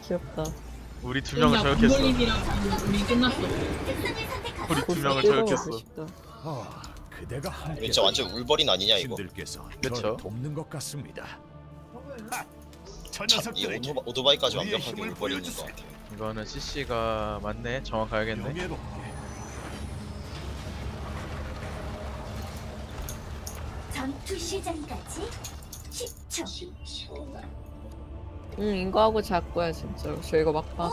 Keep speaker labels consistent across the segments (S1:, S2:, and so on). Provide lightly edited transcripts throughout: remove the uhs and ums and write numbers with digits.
S1: 귀엽다.
S2: 우리 두 명을 저격했어.
S3: 우리 끝났어.
S2: 우리 두 명을
S1: 뜯어먹고
S2: 저격했어.
S1: 싶다.
S4: 그대가 함께
S5: 진짜 완전 울버린 아니냐 이거.
S4: 신들께서
S2: 그쵸.
S4: 저를 돕는 것 같습니다. 저
S5: 참, 이
S4: 녀석들에게
S5: 오토바이까지
S4: 우리의
S5: 완벽하게
S4: 힘을
S5: 울버린인 것
S4: 보여주세요.
S5: 같아.
S2: 이거는 CC가 맞네. 정확하겠네.
S4: 명예롭게
S6: 전투 시작까지 10초.
S1: 이거 하고 잘 거야 진짜. 저 이거 막판.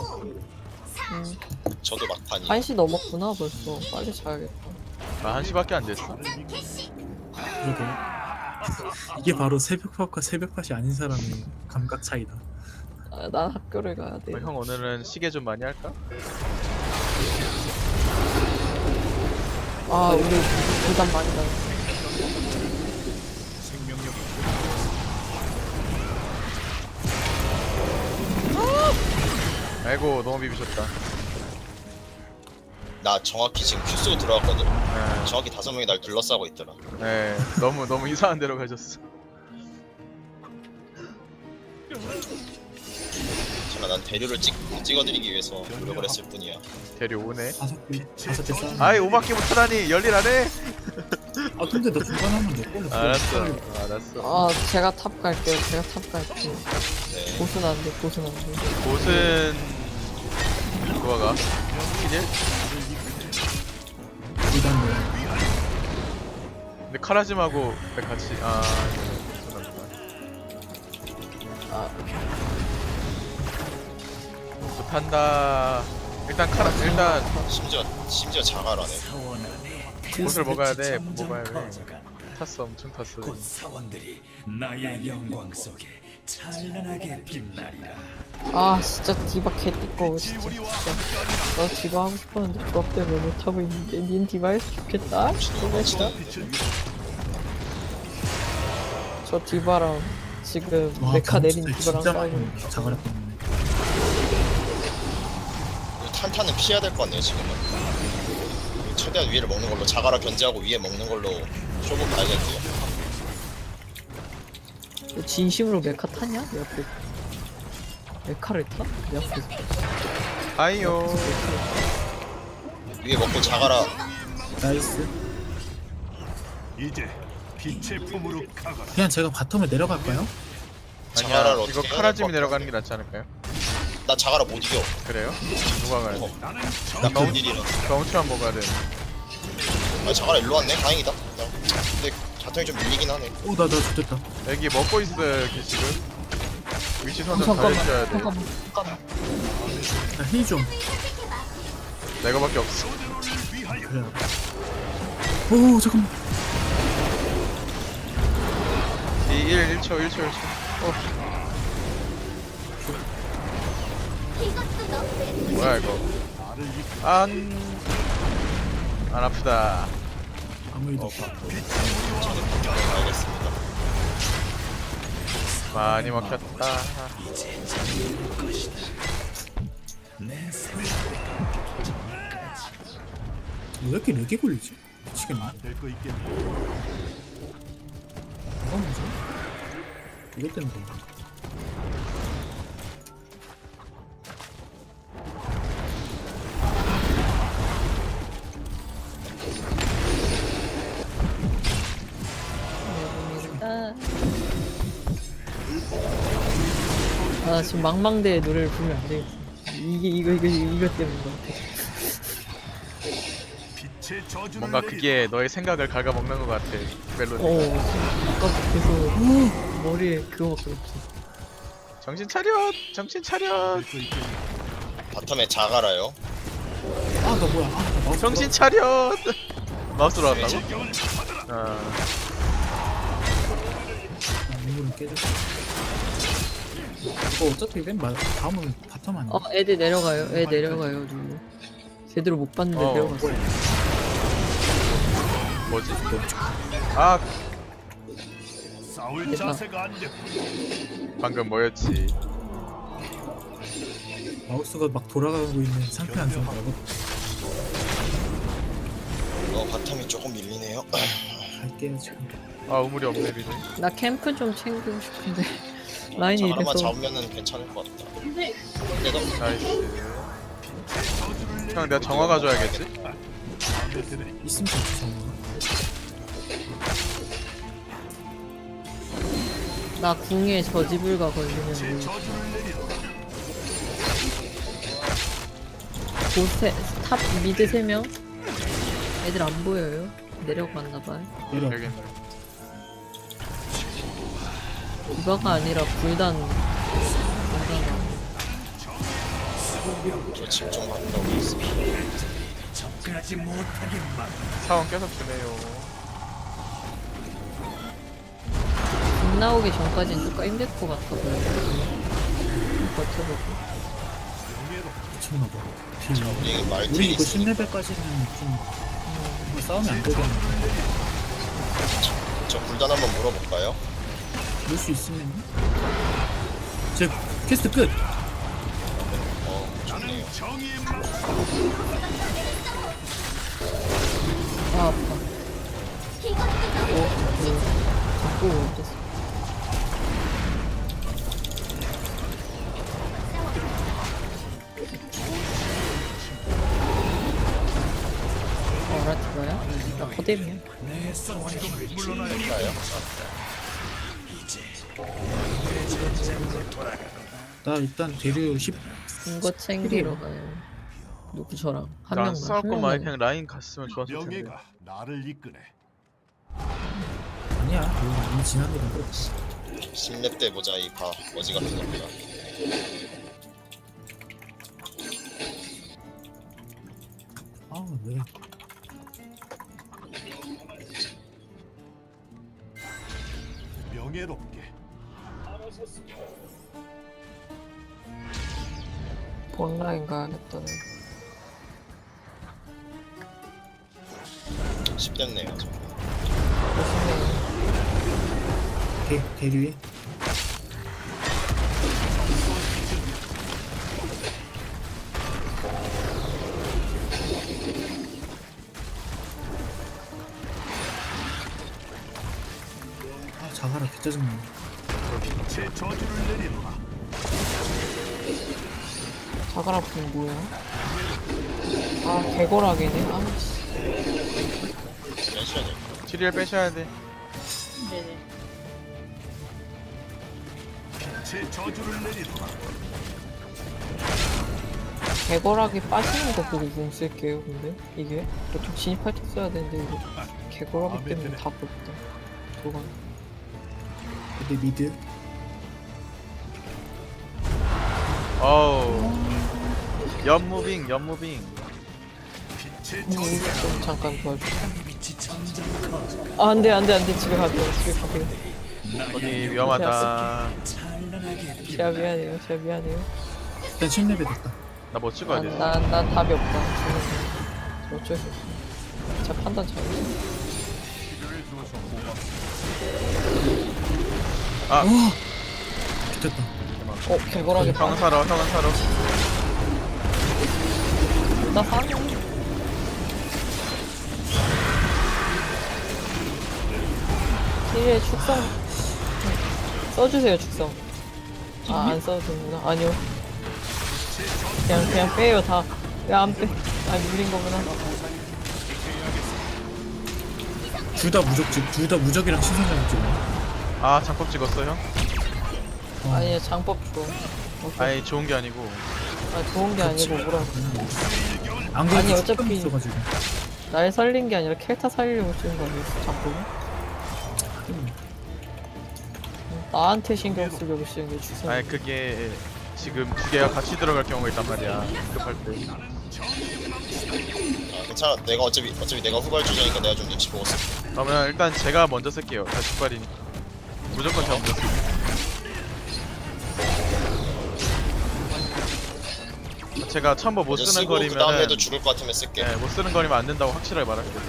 S5: 저도 막판이.
S1: 1시 넘었구나 벌써. 빨리 자야겠다.
S2: 아 1시밖에 안 됐어.
S7: 그러게. 이게 바로 새벽밥과 새벽밥이 아닌 사람의 감각 차이다.
S1: 아, 난 학교를 가야 돼.
S2: 형 오늘은 시계 좀 많이 할까?
S1: 아 우리 부담 많이 받았어.
S4: 생명력이
S2: 아이고 너무 비비셨다.
S5: 나 정확히 지금 큐 쏘고 들어왔거든.
S2: 네,
S5: 정확히 5명이 날 둘러싸고 있더라.
S2: 네 너무 이상한 데로 가셨어.
S5: 제가 난 대류를 찍어드리기 위해서 노력을 했을 뿐이야.
S2: 데려오네.
S7: 다섯 개 싸.
S2: 아이 5바퀴 못하다니 열일 안 해?
S7: 아 근데 너 중간 하면 내 걸로.
S2: 알았어.
S1: 아 제가 탑 갈게요. 제가 탑 갈게요.
S5: 네.
S1: 보스는 안 돼. 보스는 안 돼.
S2: 곳은 누가 가? 키질?
S7: 이단 뭐.
S2: 근데 카라짐하고 같이 죄송합니다. 못한다. 일단
S5: 심지어 자갈하네.
S2: 옷을 먹어야 돼. 먹어야 돼. 탔어, 엄청 탔어.
S8: 곧 사원들이 나의 영광 속에 찬란하게 빛나리라.
S1: 아 진짜 디바 개띠꺼워 진짜. 나 디바 하고 싶었는데 조합 때문에 못하고 있는데 닌 디바 했으면 좋겠다. 진짜. 저 디바랑 지금 메카 내린 디바랑
S7: 진짜
S1: 싸우고
S7: 많이 자갈했거든요.
S5: 탄탄은 피해야 될 것 같네요 지금은. 최대한 위를 먹는 걸로 자갈아 견제하고 위에 먹는 걸로 쇼부 가야겠고요.
S1: 너 진심으로 메카 타냐? 내 앞에 메카를 타? 내 앞에서
S2: 아이요.
S5: 위에 먹고 자갈아.
S7: 나이스.
S4: 이제 빛의 품으로 가거라.
S7: 그냥 제가 바텀에 내려갈까요?
S5: 자갈아를
S2: 아니야,
S5: 어떻게
S2: 이거
S5: 해야
S2: 카라짐이
S5: 될것
S2: 내려가는 게 낫지 않을까요?
S5: 나 자갈아 못 이겨.
S2: 그래요? 누가 가야 돼?
S4: 나는
S5: 나
S2: 너무-
S5: 본일이라.
S2: 경치만 먹어야 돼.
S5: 아 자갈아 일로 왔네. 다행이다. 근데 자통이 좀 밀리긴 하네.
S7: 나 좋겠다.
S2: 여기 먹고 있어요, 여기 지금. 위치 선정 잘해줘야 돼.
S1: 잠깐만
S7: 나 힐 좀.
S2: 내가밖에 없어.
S7: 그래. 오 잠깐만.
S2: 1초. 뭐야 이거? 안 아프다.
S7: 아무 일도 없어.
S5: 알겠습니다.
S2: 많이 막혔다.
S8: 내 생명
S7: 왜 이렇게 렉이 걸리지? 미치겠네.
S4: 될거 있겠네.
S7: 뭐가 문제? 이것 때문에 그런가?
S1: 아 지금 망망대의 노래를 부르면 안 되겠어. 이거 때문인 것 같아.
S4: 빛의 저주를
S2: 뭔가
S4: 내리라.
S2: 그게 너의 생각을 갉아먹는 것 같아. 멜로디.
S1: 아까부터 머리에 그거밖에 없어.
S2: 정신 차려.
S4: 될거 있겠네.
S5: 바텀에 자갈아요.
S7: 나 뭐야? 나 마우스
S2: 정신 차려. 마우스로 왔다고?
S4: 질경을 받아라.
S7: 이거는 깨졌어. 이거 어차피 다음은 바텀 아니야?
S1: 애들 내려가요. 애 내려가요. 누구. 제대로 못 봤는데 내려갔어.
S2: 뭐지? 아
S4: 싸울
S1: 됐다.
S4: 자세가 안 돼.
S2: 방금 뭐였지?
S7: 마우스가 막 돌아가고 있는 상태 안 좋은 거라고.
S5: 바텀이 조금 밀리네요.
S7: 갈게요 지금.
S2: 아 우물이 없네 리네.
S1: 나 캠프 좀 챙기고 싶은데. 라인이
S5: 자가라만
S1: 이래서
S5: 잡으면은 괜찮을 것 같다. 근데 너
S2: 나이스. 형 내가 정화 가져야겠지?
S7: 있으면 좋지 정말.
S1: 나 궁에 저지불가 걸리면 곳에 탑 미드 3명 애들 안 보여요. 내려갔나봐요.
S7: 내려.
S2: 여기 있네.
S1: 디바가 아니라 불단
S5: 저 집중 받는다고 있어.
S8: 접근하지 못하게 막
S2: 사원 계속 주네요.
S1: 국 나오기 전까지는 조금 힘들 것 같아 보여요. 버텨보고.
S7: 미쳤나봐.
S5: 우리
S7: 우리
S5: 말들이
S7: 이거
S5: 있으니까
S7: 10레벨까지는 좀 이거 싸우면 안 되겠네.
S5: 저 불단 한번 물어볼까요?
S7: 볼 수 있으면. 제 퀘스트 끝.
S5: 좋네요.
S1: 아 아파. 자꾸 못했어. 라티바야? 나 거대미야.
S5: 될까요?
S7: 나 일단 대류 10.
S1: 이거 챙기러 가요. 누구 저랑 한
S2: 나안
S1: 명만.
S2: 싸울
S1: 한
S2: 거면
S1: 명만.
S2: 그냥 라인 갔으면 좋았을 텐데.
S4: 명예가 나를 이끄네.
S7: 아니야. 이거 이미 지난 일인데.
S5: 10렙 때 보자 이 바 어지 같은 겁니다.
S7: 아 왜?
S4: 명예롭게.
S1: 본라인 가야겠다.
S5: 10렙네요.
S7: 대류에. 아 자가라 개짜증나.
S4: 제 저주를 내리노라.
S1: 자가라프는 뭐야? 아 개거라기네. 아 씨.
S5: 빼셔야 돼.
S2: 티리얼 빼셔야 돼.
S1: 네네.
S4: 제 저주를 내리노라.
S1: 개거라기 빠지는 거 보고 공 쓸게요. 근데 이게 보통 진입할 때 써야 되는데 이거 개거라기 때문에 다 부럽다. 도관.
S7: 근데 미드.
S2: 어우. 연무빙 연무빙.
S1: 이거 좀 잠깐 도와줘.
S8: 빛이 점점 커져
S1: 아 안돼 안돼 안돼 집에 가세요. 집에 가세요.
S2: 거기 위험하다.
S8: 찬란하게
S1: 제가 미안해요. 제가 미안해요.
S7: 일단 10레벨 됐다.
S2: 나 뭐 찍어야 돼?
S1: 난 답이 없다. 저는 어쩔 수 없어. 제가 판단 잘했어.
S2: 아,
S7: 됐다.
S1: 개거라기
S2: 형은 살아, 형은 살아.
S1: 나 사네. 힐의 축성 써주세요 축성. 아 안 써도 되는구나. 아니요. 그냥 빼요 다. 왜 안 빼? 아 물린 거구나.
S7: 둘 다 무적집. 둘 다 무적이랑 신선장 찍어.
S2: 아, 장법 찍었어, 형?
S1: 아니 장법 줘.
S2: 아니, 좋은 게 아니고.
S1: 아 좋은 게 아니고 뭐라고.
S7: 안 그래도
S1: 아니,
S7: 축감
S1: 어차피-
S7: 있어가지고.
S1: 날 살린 게 아니라 켈타 살리려고 쓰는 거 아니었어 장법은? 나한테 신경 쓰려고 쓰는 게 축성.
S2: 아니, 그게 지금 두 개가 같이 들어갈 경우가 있단 말이야. 급할 때.
S5: 아, 괜찮아. 내가 어차피 내가 후발주자니까 내가 좀 눈치 보고 쓸게.
S2: 그러면 일단 제가 먼저 쓸게요. 다 직발이니까. 무조건 제가 먼저 쓸게요. 제가 첨보 못
S5: 먼저
S2: 쓰는
S5: 쓰고 그
S2: 거리면은
S5: 다음에도 죽을 것 같으면 쓸게.
S2: 네, 못 쓰는 거리면 안 된다고 확실하게 말할게요.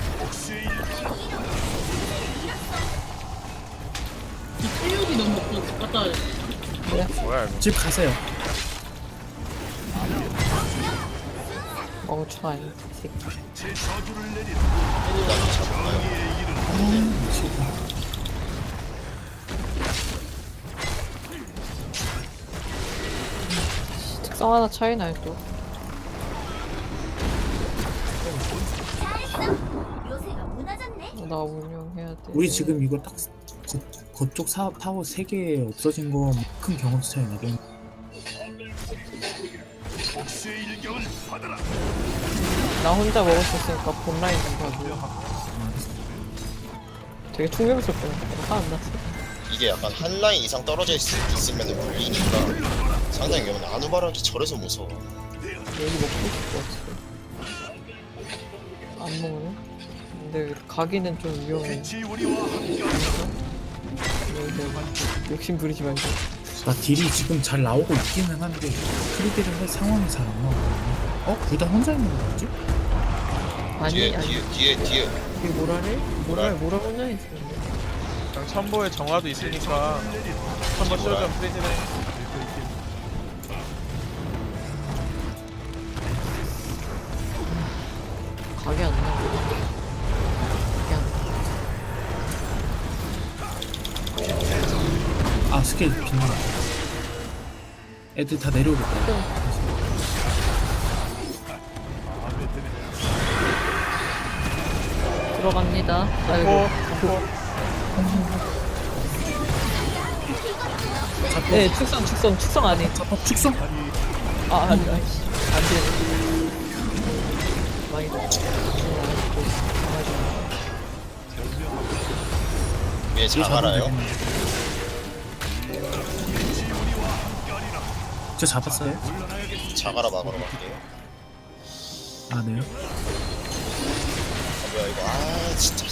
S2: 뭐야 이거?
S7: 집 가세요.
S1: 멍청아 이 새끼.
S4: 제 저주를 내리노라.
S7: 미치겠다.
S1: 특성 하나 차이 나요 또.
S6: 잘했어. 요새가 무너졌네.
S1: 나 운영해야 돼.
S7: 우리 지금 이거 딱 거쪽 타워 3개 없어진 거 큰 경험치 차이 나게.
S4: 복수의 일격을 받아라.
S1: 나 혼자 먹을 수 있으니까 본라인 좀 봐줘. 되게 충격스럽거든. 화안 났어.
S5: 이게 약간 한 라인 이상 떨어져 있으면 물리니까 상당히 위험해. 아누바락이 저래서 무서워.
S1: 여기 먹고 싶을 것 같아. 안 먹네. 근데 가기는 좀 위험해.
S4: 빛이 우리와 함께하리라.
S1: 근데 욕심 부리지 말고.
S7: 나 딜이 지금 잘 나오고 있기는 한데 크리딜을 할 상황이 잘 안 나오거든요. 둘 다 혼자 있는 거 같지?
S1: 아니
S5: 뒤에
S1: 아니.
S5: 뒤에
S1: 이게 뭐라래? 뭐라 혼자 있었는데.
S2: 그냥 첨보에 정화도 있으니까 첨보 씌워주면 프리즈네.
S1: 가게 안 나와. 가게 안 나와.
S7: 아 스케일 빗나. 애들 다 내려오겠다.
S1: 들어갑니다. 아이고. 네, 축성 안 해.
S7: 축성?
S1: 아니, 아이씨. 안 돼. 많이
S5: 위에 자가라요.
S7: 저 잡았어요?
S5: 자가라 막으러 갈게요.
S7: 아 네요.
S5: 뭐야 이거. 아 진짜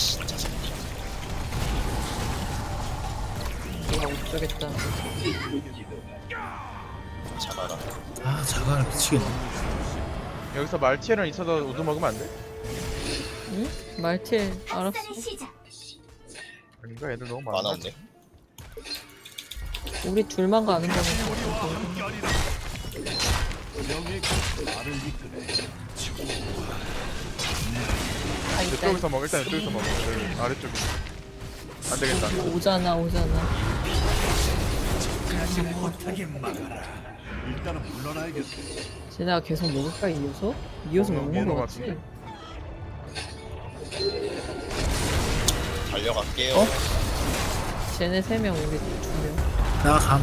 S1: 내가 못 주겠다.
S5: 자가라.
S7: 아 자가라 미치겠네.
S2: 여기서 말티에는 있어도 우드 먹으면 안 돼?
S1: 응? 말티에 알았어.
S6: 박살의 시작.
S2: 아닌가? 애들 너무 많아.
S5: 만화인데.
S1: 우리 둘만 가는 거면 아, 있다.
S2: 이쪽에서 먹을 때 이쪽에서 먹어. 여기 아래쪽에. 안 되겠다.
S1: 오잖아.
S8: 못하게 막아라.
S4: 일단은 물러나야겠어.
S1: 쟤네가 계속 먹을까 이어서? 이어서
S2: 먹는
S1: 먹는 거
S2: 거
S1: 같지?
S2: 같은데?
S5: 달려갈게요.
S7: 어?
S1: 쟤네 3명, 우리 2명.
S7: 나 감.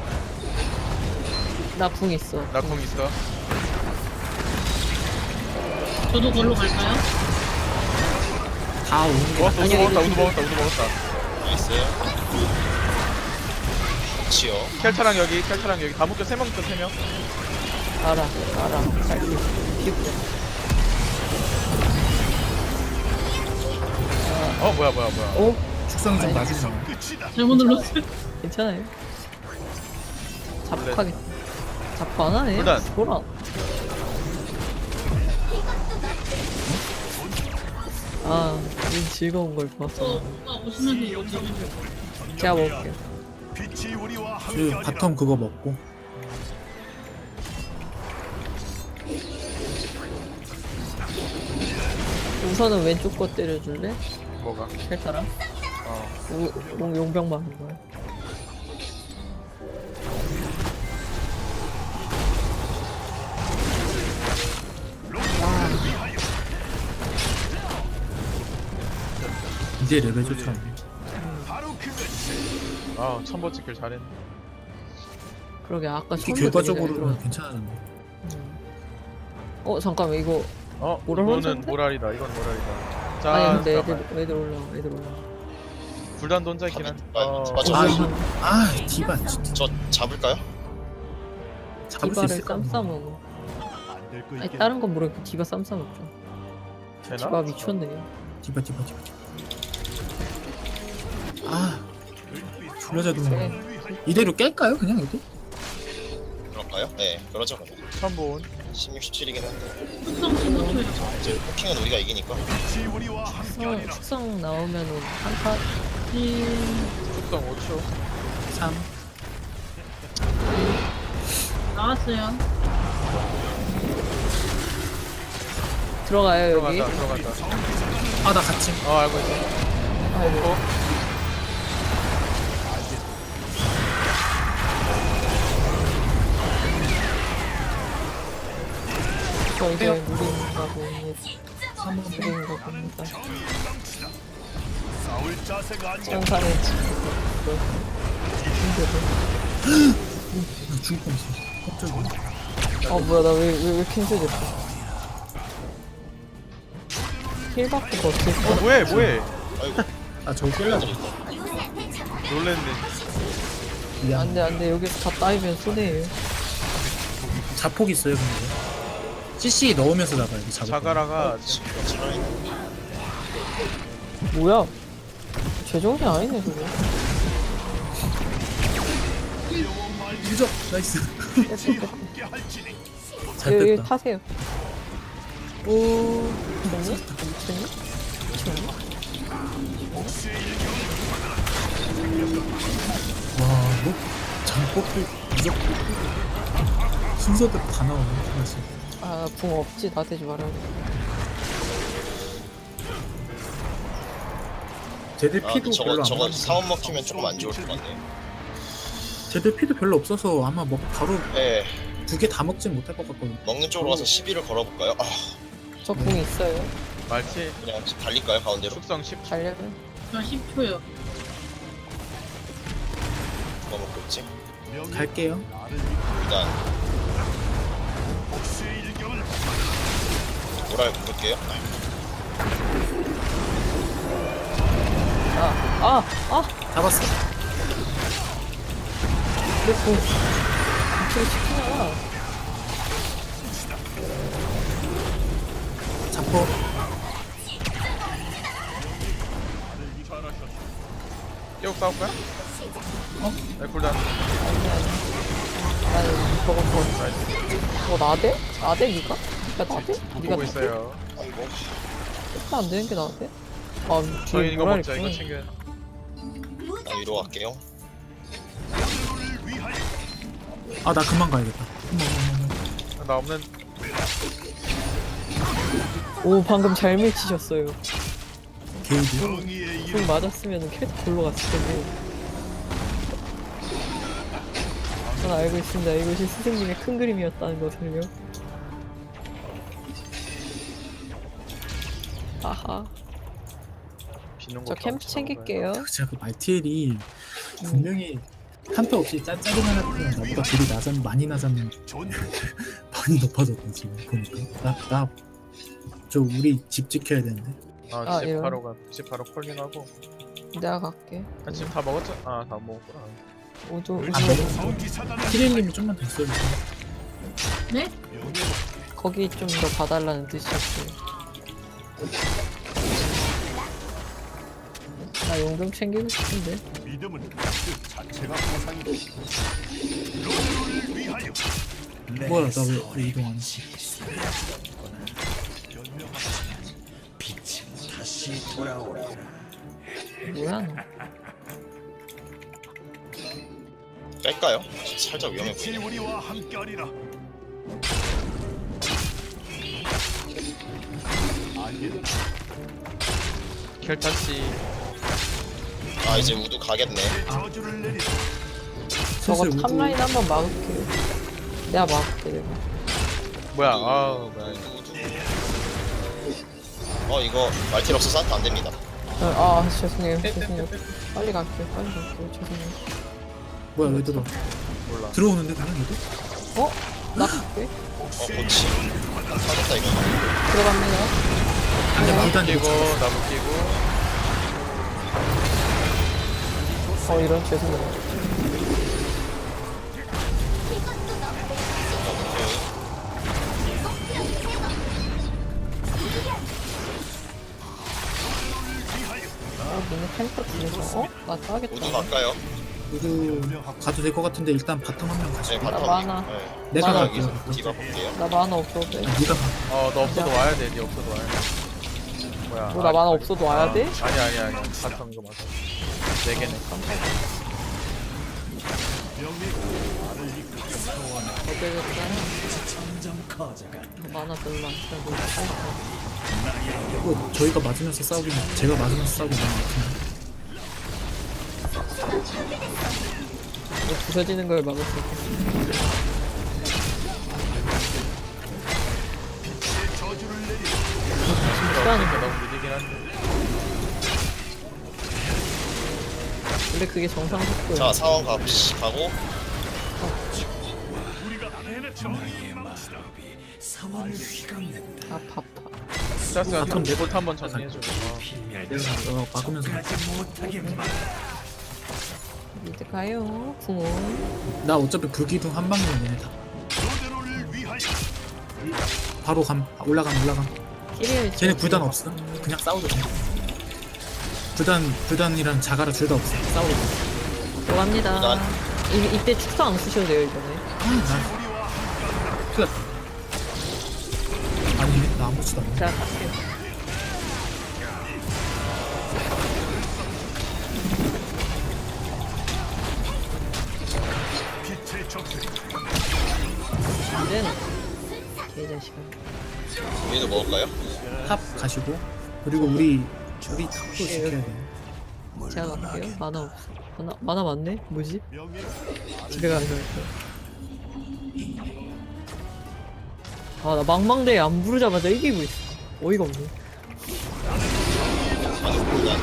S1: 나 궁 있어.
S2: 나궁 있어.
S3: 저도 걸로 갈까요?
S7: 다 오는 게
S2: 먹었어. 우드
S1: 아니,
S2: 먹었다.
S1: 이거
S2: 우드 먹었다.
S5: 나이스. 치요.
S2: 켈차랑 여기 다 묶여. 3명 묶여 3명.
S1: 알아. 갈게. 피부야.
S2: 뭐야.
S1: 어?
S7: 축성이 좀 낮으잖아.
S3: 잘못 눌렀어요.
S1: 괜찮아요. 자폭하겠다. 자폭 안 하네?
S2: 일단.
S1: 돌아. 아, 이 즐거운 걸 봤어.
S3: 오시면서 이거 좀
S1: 제가 먹을게요.
S4: 빛이 우리와
S7: 그리고
S4: 함께하리라.
S7: 바텀 그거 먹고.
S1: 우선은 왼쪽 거 때려줄래?
S2: 뭐가?
S1: 켈타랑? 용병 막는 거야.
S7: 이제 레벨 좋잖아.
S2: 첨보 찍길 잘했네.
S1: 그러게 아까
S7: 특히
S1: 처음부터 되게 잘
S7: 결과적으로는
S1: 들어왔-
S7: 괜찮았는데.
S1: 잠깐만 이거 모랄
S2: 이거는
S1: 혼자인데?
S2: 모랄이다. 이건 모랄이다. 자,
S1: 아니 근데
S2: 잠깐만.
S1: 애들 올라와.
S2: 불단도 혼자 있긴 한.
S5: 맞아.
S7: 아 디바 진짜
S5: 저 잡을까요?
S7: 잡을 수
S1: 디바를
S7: 있을까?
S1: 쌈싸 먹어.
S4: 안될거
S1: 아니
S4: 있겠네.
S1: 다른 건 모르겠고 디바 쌈싸 먹자.
S2: 되나?
S1: 디바 미쳤네.
S7: 디바. 아 불러자도
S1: 네.
S7: 이대로 깰까요 그냥 이거?
S5: 그럴까요? 네, 그러죠 그러면.
S2: 첨보.
S5: 16, 17이긴 한데
S3: 특성 15초예요.
S5: 이제 포킹은 우리가 이기니까.
S4: 빛이 우리와 함께하리라.
S1: 축성 나오면은 한타
S2: 축성 5초.
S7: 3
S3: 나왔어요.
S1: 들어가요 여기.
S2: 들어간다.
S7: 아 나 같이
S2: 알고 있어.
S1: 아이고. 저 이제 무리인가 봅니다.
S7: 한번
S1: 무리인가 봅니다.
S4: 싸울 자세가 안
S1: 천사는 지금
S7: 나 죽을 뻔했어. 깜짝이야.
S1: 뭐야 나 왜 캔슬됐어. 힐밖에 더 없을 거.
S2: 뭐해
S5: 아이고
S7: 아 저거 깰라고.
S2: 놀랬네.
S7: 미안.
S1: 안돼 여기서 다 따이면 손해예요.
S7: 자폭 있어요 근데. CC 넣으면서 나가야 돼.
S2: 자가라가
S5: 차라리
S1: 뭐야? 제정이 아니네 저거.
S7: 유적 나이스.
S4: 함께 할지니
S7: 잘
S1: 여기
S7: 뺐다.
S1: 타세요. 오 미쳤니? 미쳤니? 미쳤니?
S7: 와, 뭐 장법도 유적도 순서대로 다 나오네. 하나씩.
S1: 아붕 없지 나대지 말아야 돼.
S7: 쟤들
S5: 아
S7: 피도 별로
S5: 저거
S7: 안
S5: 사원 먹히면 조금 안 좋을 것 같네.
S7: 쟤들 피도 별로 없어서 아마 뭐 바로
S5: 네
S7: 2개 다 먹진 못할 것 같거든.
S5: 먹는 쪽으로 가서 시비를 걸어볼까요? 아
S1: 저 붕 있어요.
S2: 말티
S5: 그냥 달릴까요 가운데로?
S2: 숙성 10초.
S1: 달려면
S3: 저 10초요.
S5: 누가 먹고 있지?
S7: 갈게요.
S5: 일단
S4: 복수의 일격을
S5: 모랄 부를게요.
S7: 잡았어.
S1: 내 붕. 이쪽에 치킨하나?
S7: 자폭.
S2: 깨고 싸울까요? 네 쿨단.
S1: 아니 저거 나대? 나대 니가? 야 나대? 니가
S2: 보고
S1: 나대?
S2: 있어요.
S5: 아이고
S1: 그렇게 안 되는 게 나대? 아
S2: 저희
S1: 뒤에
S2: 이거
S1: 뭐라
S2: 먹자. 이거
S1: 했구나.
S2: 챙겨.
S5: 나 위로 갈게요.
S7: 아, 나 그만 가야겠다.
S2: 나 없는.
S1: 오 방금 잘 밀치셨어요.
S7: 게이드.
S4: 정의의 일
S1: 붕 맞았으면 캐릭터 골로 갔을 텐데. 전 알고 있습니다. 이것이 스승님의 큰 그림이었다는 것을요. 아하.
S2: 비는
S1: 저
S2: 것도
S1: 캠프
S2: 안
S1: 챙길게요.
S7: 제가 그 말티엘이 분명히 한패 없이 짠짜리만 했으면 나보다 딜이 많이 나자면
S4: 존
S7: 많이 높아졌다 지금 보니까. 저 우리 집 지켜야 되는데.
S2: 아, 집
S1: 이런.
S2: 바로 콜링하고.
S1: 내가 갈게.
S2: 지금 다 먹었죠? 아, 다 먹었구나.
S1: 오조
S7: 아, 네.
S4: 성기사단을
S7: 키릴님이 좀만 더 있어주세요.
S3: 네?
S1: 거기 좀 더 봐달라는 뜻이었어요. 나 용금 챙기고 싶은데.
S4: 믿음은 그 자체가 보상이다. 로드를 위하여
S7: 뭐야 나 왜 이동 안 해?
S8: 빛은 다시 돌아오리라.
S1: 뭐야 너?
S5: 뺄까요? 살짝 위험해
S4: 빛이
S5: 보이네.
S4: 우리와 함께하리라. 알겠다.
S2: 켈타씨.
S5: 아 이제 우두 가겠네.
S4: 저주를 내리라.
S1: 저거
S7: 슬슬 우두-
S1: 탑라인 한번 막을게. 내가 막을게 내가.
S2: 뭐야? 아, 뭐야? 이거.
S5: 이거 말틸 없어서 한타 안 됩니다.
S1: 죄송해요. 죄송해요. 빨리 갈게요. 빨리 갈게요. 죄송해요.
S7: 뭐야 왜 들어?
S2: 몰라.
S7: 들어오는데 그냥 얘도?
S1: 나 갈게.
S5: 고치. 사겠다 이거.
S1: 들어갑니다.
S7: 근데 일단
S2: 끼고
S7: 이거
S2: 나무 끼고.
S1: 이런 죄송해요. 너네 탱커 중에서 나
S5: 우두
S1: 따겠다.
S5: 갈까요?
S7: 우두 가도 될 것 같은데 일단 바텀 한 명 가시.
S5: 네
S1: 나
S5: 바텀.
S1: 많아.
S5: 네.
S7: 내가
S1: 많아.
S7: 갈게요.
S5: 여기서 디바 볼게요.
S1: 나 만화 없어도 돼.
S7: 네가 가.
S2: 너 없어도 와야 돼. 네 없어도 와야 돼. 뭐야?
S1: 나 만화 없어도 와야 돼?
S2: 아니. 바텀 이거 맞아. 4개네.
S1: 어제였잖아.
S8: 점점 커져간다.
S1: 만화 별로 안 차고 있어.
S7: 이거 저희가 맞으면서 싸우긴 제가 맞으면서 싸우긴 하는 것 같은데.
S1: 이거 부서지는 걸 막을 수 있겠어. 싫어하는 거.
S2: 너무 느리긴 한데.
S1: 원래 그게 정상 속도야.
S5: 자 상황 가고
S8: 나의 마법이 사원을 휘감는다.
S1: 아파.
S2: 짜스가
S7: 바텀
S2: 내봇 한번 정리해줘.
S7: 내가 막으면서
S8: 못하게 막
S1: 이제 가요. 궁원.
S7: 나 어차피 불기둥 한 방이면 얘네 다 바로 올라감
S1: 끼리를
S7: 쟤네 불단 없어 그냥 싸우도 돼 불단이랑 자가라 둘 다 없어 싸우도 돼
S1: 들어갑니다.
S5: 난-
S1: 이때 축소 안 쓰셔도 돼요 이번에.
S7: 나 큰일 났다 아니네 나 아무것도 안 해.
S1: 자 갈게요. 이제는 개자식아.
S5: 우리도 먹을까요?
S7: 탑 가시고 그리고 우리 탑도 지켜야 돼
S1: 제가 갈게요. 만화 없어. 만화 많네? 뭐지? 집에 가는 거야. 아, 나 망망대에 안 부르자마자 이기고 있어. 어이가 없네.
S5: 아니 일단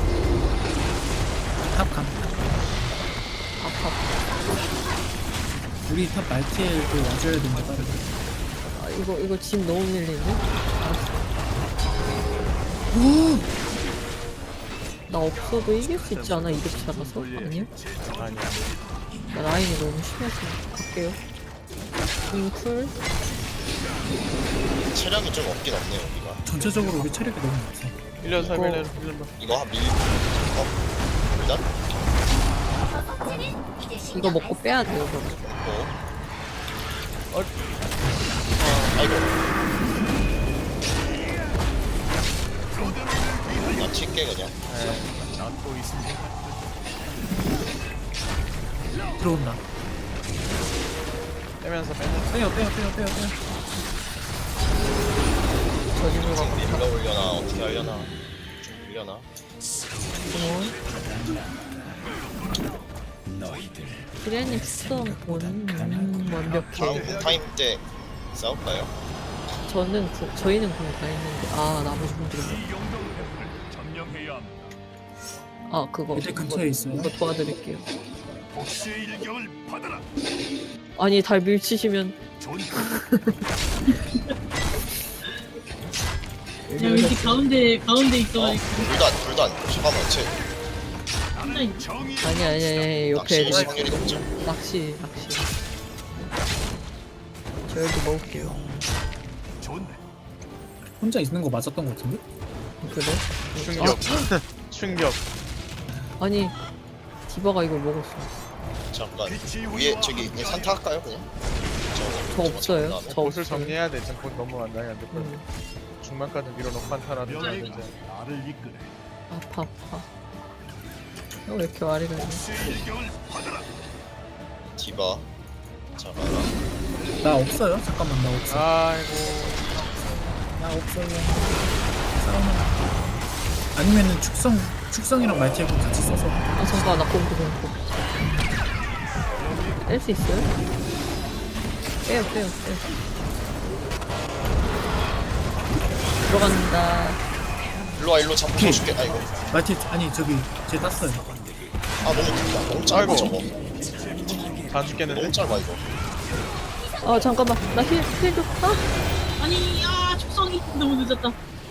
S7: 탑감
S1: 아파.
S7: 우리 탑 말티엘도 와줘야 된다 빠르게
S1: 아, 이거 집 너무 밀리는데? 알았어. 나 없어도 이길 수 있지 않아? 이득 잡아서? 아니야?
S2: 아니야.
S1: 나 라인이 너무 심해서 갈게요. 쿨.
S5: 체력이 좀 없긴 없네요 우리가.
S7: 전체적으로 우리 체력이 너무 없어
S2: 1년 살면은 1년만.
S5: 이거 일단
S1: 이거 먹고 빼야 돼요, 그럼.
S5: 아이고. 나 튈게 그냥.
S7: 들어온다
S2: 빼면서
S7: 빼요
S1: 저 집으로 가고.
S5: 밀러 올려나 어떻게 하려나. 좀 올려나.
S1: 피레님 수성 완벽해.
S5: 다음 타임 때 싸울까요?
S1: 저희는 그럼 다 했는데. 아, 나머지 분들은. 아, 그거.
S7: 이제 근처에 있어요
S1: 이거 도와드릴게요. 아니, 달 밀치시면.
S3: 야 왠지 가운데 있어가지고
S5: 불단. 잠깐만 쟤
S1: 아니, 옆에
S5: 낚시
S1: 애들.
S5: 확률이 높죠.
S1: 낚시. 저 여기 먹을게요.
S7: 혼자 있는 거 맞았던 거 같은데?
S1: 그래?
S2: 충격. 충격.
S1: 아니, 디바가 이걸 먹었어.
S5: 잠깐 위에 저기 그냥 산타 할까요 그냥?
S1: 저 없어요.
S5: 다음에.
S1: 저
S2: 옷을
S1: 없어요.
S2: 정리해야 돼. 지금 곧 너무 안 나게 안 될 거야. 중반까지 밀어놓고 한타라든지 하든지.
S1: 아파. 왜 이렇게 와리가 있냐?
S5: 디바. 자가라.
S7: 나 없어요 잠깐만 나 없어
S2: 아이고.
S7: 나 없어요 싸우면 아니면은 축성이랑 말티엘 같이 써서
S1: 아, 잠깐, 나 공포. 뺄 수 있어요? 빼요. 들어간다.
S5: 일로 잡고 줄게. 아이고.
S7: 말티엘 아니 저기 쟤 땄어요
S5: 아 너무 길다. 너무 짧아
S2: 아이고.
S5: 저거.
S2: 다 죽겠는데?
S5: 너무 짧아 이거.
S1: 아, 잠깐만. 나 힐 좀. 아!
S3: 아니 축성이 너무 늦었다.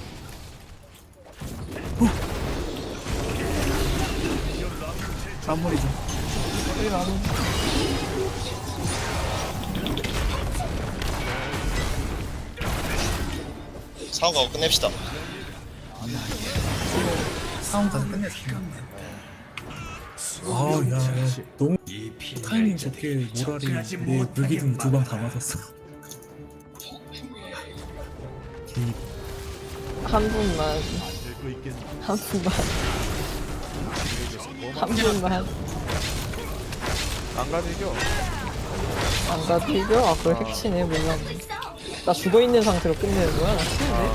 S7: 마무리 좀
S5: 상황 가고 끝냅시다.
S7: 싸움 가서 끝냈어 아야 너무
S8: 이
S7: 타이밍 좋게 모라리 내 불기둥 2방 다 맞았어
S1: 한 분만.
S2: 안 가도 이겨.
S1: 안 가도 이겨? 아, 그걸 핵치네. 몰랐네. 나 죽어있는 상태로 끝내는 거야? 나 치는데?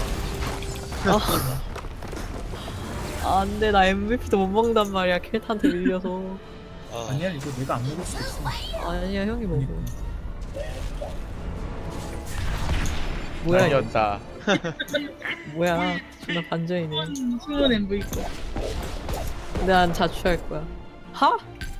S1: 안 돼. 나 MVP도 못 먹는단 말이야. 켈탄한테 밀려서.
S5: 아,
S7: 아니야 이거 내가 안 먹을 수도 있어
S1: 아니야, 형이 먹어. 뭐야, 이거.
S2: 아니었다.
S1: 뭐야 존나 반전이네.
S3: 숨은 MVP.
S1: 난 자취할 거야. 하?